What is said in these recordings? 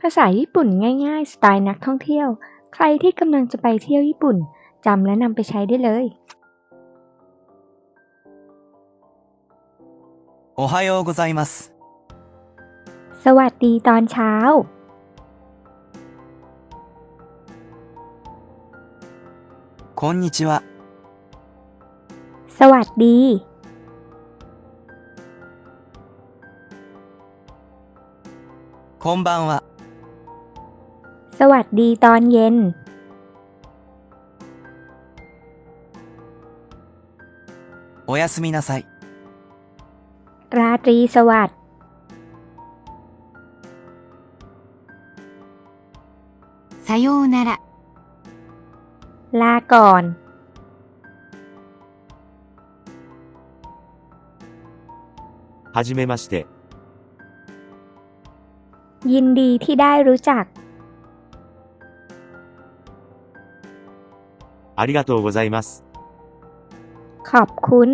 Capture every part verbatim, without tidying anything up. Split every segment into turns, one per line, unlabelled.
ภาษาญี่ปุ่นง่ายๆสไตล์นักท่องเที่ยวใครที่กำลังจะไปเที่ยวญี่ปุ่นจำและนำไปใช้ได้เลย
おはようございます。
สวัสดีตอนเช้า
こんにちは。
สวัสดี
こんばんは。
สวัสดีตอนเย็น
おやすみなさい。
ราตรีสวัสดิ์
さようなら。
ลาก่อน
はじめまして。
ยินดีที่ได้รู้จัก
ありがとうございます。
ขอบคุณ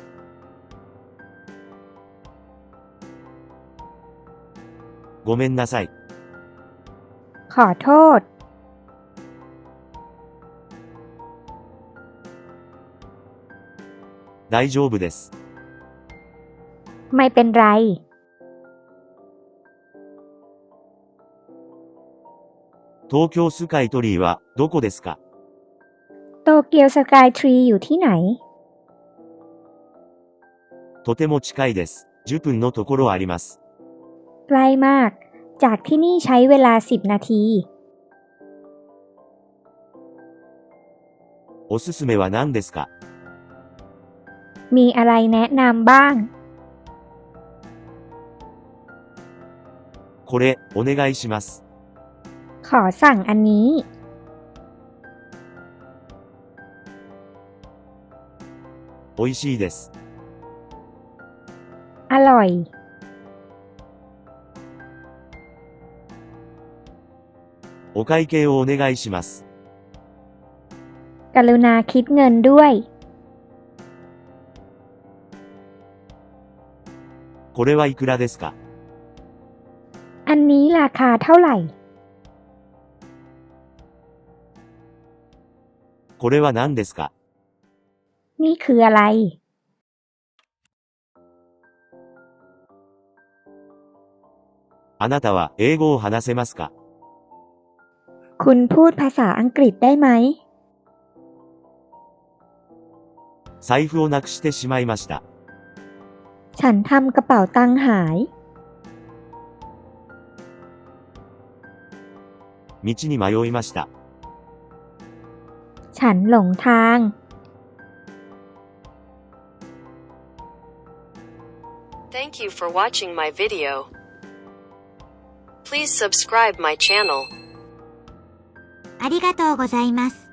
ごめんなさい。
ขอโทษ
大丈夫です。
ไม่เป็นไร
東京スカイトリーはどこですか？
โตเกียวสกายทรีอยู่ที่ไหน
とても近いです。じゅっぷんのところあります。
ใกล้มากจากที่นี่ใช้เวลาสิบนาที
おすすめは何ですか？
มีอะไรแนะนำบ้าง
これお願いします。
ขอสั่งอันนี้
おいしいです。
อร่อย
お会計をお願いします。
กรุณาคิดเงินด้วย
これはいくらですか？
อันนี้ราคาเท่าไหร่
これは何ですか？
นี่คืออะไร
あなたは英語を話せますか？
คุณพูดภาษาอังกฤษได้ไหม
財布をなくしてしまいました。
ฉันทำกระเป๋าตังค์หาย
道に迷いました。
ฉันหลงทาง
Thank you for watching my video. Please subscribe my channel.
ありがとうございます。